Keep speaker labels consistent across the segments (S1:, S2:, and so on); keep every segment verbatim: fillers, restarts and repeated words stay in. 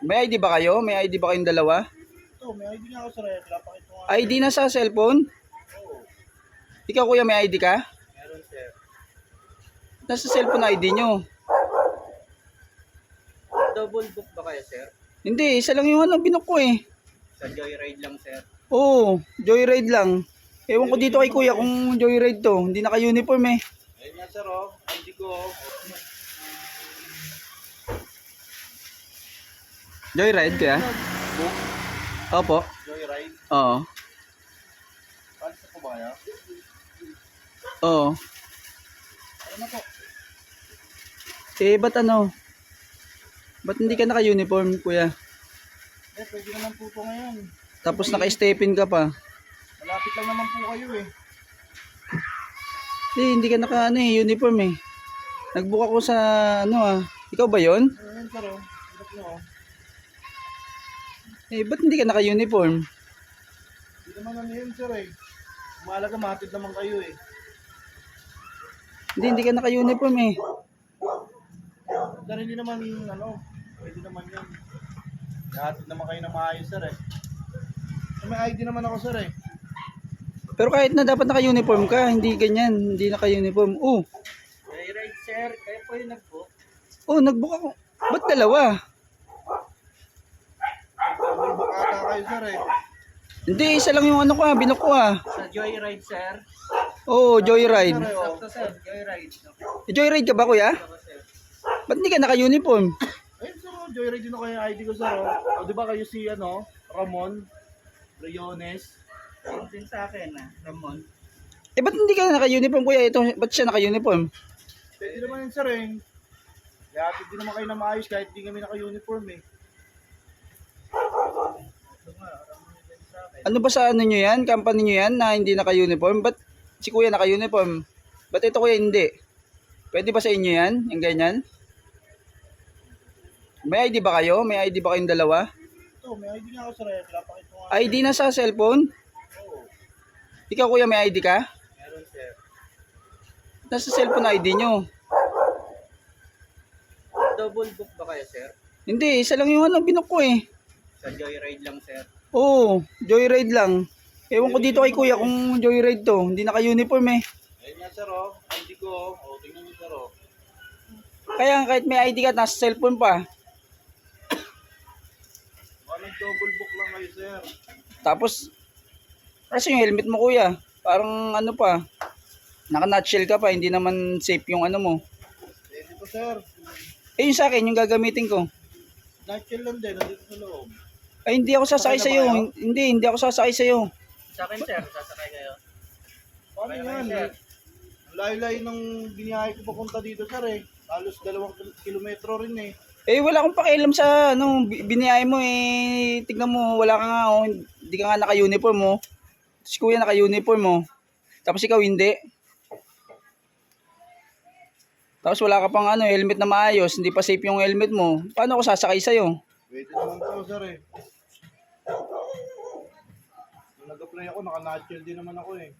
S1: May I D ba kayo? May I D ba kayong dalawa?
S2: Ito, may I D nga ako sir. Eh. Pinapakita ko nga.
S1: I D na sa cellphone?
S2: Oo.
S1: Ikaw kuya, may I D ka?
S2: Meron sir.
S1: Nasa cellphone I D nyo.
S2: Double book ba kayo sir?
S1: Hindi, isa lang yung ano, binok ko eh.
S2: Sa Joyride lang sir.
S1: Oo, joyride lang. Ewan ko dito kay kuya kung joyride to. Hindi naka-uniform eh.
S2: Ayun nga sir oh. I D ko oh.
S1: Joyride kaya?
S2: Book?
S1: Opo.
S2: Joyride?
S1: Oo.
S2: Paano sa kumaya?
S1: Oo.
S2: Ano na po?
S1: Eh, ba't ano? Ba't hindi ka naka-uniform kuya?
S2: Eh, pwede naman po po ngayon.
S1: Tapos naka-stepin ka pa.
S2: Malapit lang naman po kayo eh.
S1: Eh, hindi ka naka ano eh, uniform eh. Nagbook ako sa ano ah. Ikaw ba yon?
S2: Ayun sir oh. Hirap nyo oh.
S1: Eh, ba't hindi ka naka-uniform?
S2: Hindi naman ano yun sir eh. Mahalaga matid naman kayo eh.
S1: Hindi, hindi ka naka-uniform eh.
S2: Sir, hindi naman ano, pwede naman yun. Hatid naman kayo ng maayos sir eh. May I D naman ako sir eh.
S1: Pero kahit na dapat naka-uniform ka, hindi ganyan, hindi naka-uniform. Oh,
S2: Joyride sir, kayo po yung nag-book.
S1: oh, nagbook ako. Ba't dalawa?
S2: Double book ata kayo sir eh.
S1: Hindi, isa lang yung ano ko ah, binok ko ah.
S2: Sa Joyride sir.
S1: Oh, joyride.
S2: Sir, oh. Sakto sir, Joyride.
S1: Joyride ka ba kuya?
S2: Ako sir.
S1: Ba't hindi ka naka-uniform?
S2: Ayun sir, oh, Joyride din ako yung I D ko sir oh. O di ba kayo si ano, Ramon Briones? Ayun din sa akin ah, Ramon.
S1: Eh, ba't hindi ka naka-uniform kuya? Ito, ba't siya naka-uniform?
S2: Pwede naman yun sir eh. Kaya hindi naman kayo na maayos kahit hindi kami naka-uniform eh. Ito nga, Ramon din sa akin.
S1: Ano ba sa ano nyo yan? Company nyo yan na hindi naka-uniform? Ba't si kuya naka-uniform? Ba't ito kuya hindi? Pwede ba sa inyo yan? Yung ganyan? May I D ba kayo? May I D ba kayong dalawa?
S2: Ito, may I D nga ako sir eh. Pinapakita ko nga.
S1: I D na sa cellphone?
S2: Oo,
S1: Ikaw kuya, may I D ka?
S2: meron sir.
S1: Nasa cellphone I D nyo.
S2: Double book ba kayo sir?
S1: Hindi, isa lang yung ano, binok ko eh.
S2: Sa Joyride lang sir.
S1: Oo, joyride lang. Ewan ko dito kay kuya kung joyride to. Hindi naka-uniform eh.
S2: Ayun nga sir oh, I D ko oh. O, tingnan niyo sir oh.
S1: Kaya kahit may I D ka, nasa cellphone pa.
S2: Baka double book lang kayo sir.
S1: Tapos, kasi yung helmet mo kuya, parang ano pa, naka-nutshell ka pa, hindi naman safe yung ano mo.
S2: Pwede po sir.
S1: Eh yung sa akin, yung gagamitin ko.
S2: Nutshell lang din, nandito sa loob.
S1: Ay hindi ako sasakay
S2: Sakay na
S1: sa'yo.
S2: ba kayo?
S1: Hindi, hindi ako sasakay sa'yo.
S2: Sa akin sir, sasakay kayo. Paano yan? Sir? Ang layo-layo ng biniyahe ko papunta dito sir eh. Halos dalawang kil- kilometro rin eh.
S1: Eh wala akong pakialam sa ano, bi- biniyay mo eh. Tignan mo, wala ka nga, oh, hindi ka nga naka-uniform mo. Si kuya naka-uniform mo. Tapos ikaw hindi. Tapos wala ka pang ano, helmet na maayos, hindi pa safe yung helmet mo. Paano ako sasakay sa'yo?
S2: Pwede naman po sir eh. Nung nag-apply ako, naka-nutshell din naman ako eh.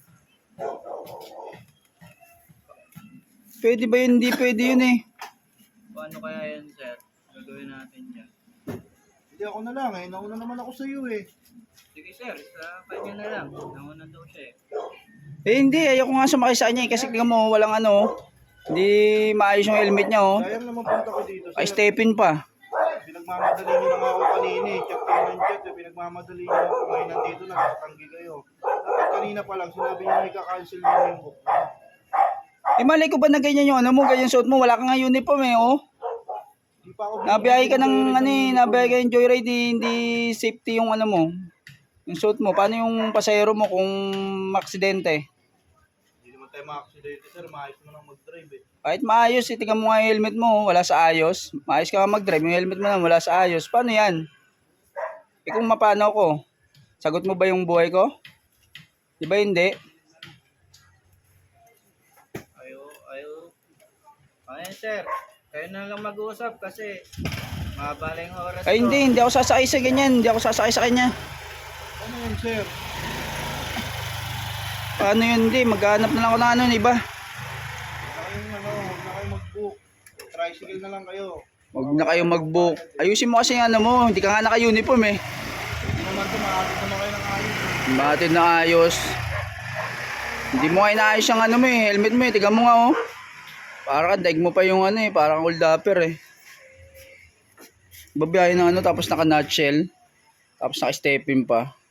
S1: Pwede ba yun? Hindi pwede yun eh.
S2: Paano kaya yan sir? Gagawin natin yan. Hindi ako na lang eh. Nauna naman ako sa iyo eh. Sige sir, sa kanya na lang. Nauna daw siya eh.
S1: Eh hindi, ayoko nga sumakay sa kanya eh. Kasi tingnan mo, walang ano, hindi maayos yung helmet niya oh.
S2: Sayang naman punta ko dito
S1: Ay,
S2: sir.
S1: stepin pa.
S2: Pinagmamadali niyo na nga ako kanina eh. Chat kayo ng chat eh. Pinagmamadali niyo ako. Ngayon nandito na, nakatanggi kayo. Dapat kanina pa lang, sinabi niyo may kakancel niyo yung book.
S1: Eh malay ko ba na ganyan yung ano mo, ganyan suot mo, wala kang nga uniform eh oh.
S2: Di pa ako
S1: Nabiyahe ka ng ano eh, nabiyahe ka ng joyride eh, hindi safety yung ano mo. Yung suot mo, paano yung pasahero mo kung maksidente?
S2: Hindi naman tayo maka-accidente sir. Maayos mo lang mag-drive eh.
S1: Kahit maayos, eh, tingnan mo nga yung helmet mo, wala sa ayos. Maayos ka nga mag-drive, yung helmet mo na wala sa ayos. Paano yan? Eh kung mapano ko, sagot mo ba yung buhay ko? Di ba hindi?
S2: Ayo, ayo. Ayan sir, kayo na lang mag-uusap kasi mabala yung oras
S1: Ay hindi, hindi ako sasakay sa ganyan, hindi ako sasakay sa kanya.
S2: Ano yun sir?
S1: Paano yun, hindi, maghanap na lang ako ng ano, iba.
S2: Huwag na kayong ano, huwag na kayong mag-book. Tricycle na lang kayo.
S1: Huwag na kayo mag-book. Ayusin mo kasi yung ano mo. Hindi ka nga naka-uniform eh.
S2: Hindi naman ito, makakit naman kayo ng ayos.
S1: Bakit na ayos? Hindi mo kayo naayos yung ano mo eh. Helmet mo eh. Tiga mo nga oh. Para ka, daig mo pa yung ano eh. Parang old upper eh. Babiyahin ng ano tapos naka-nutshell. Tapos naka-stepin pa.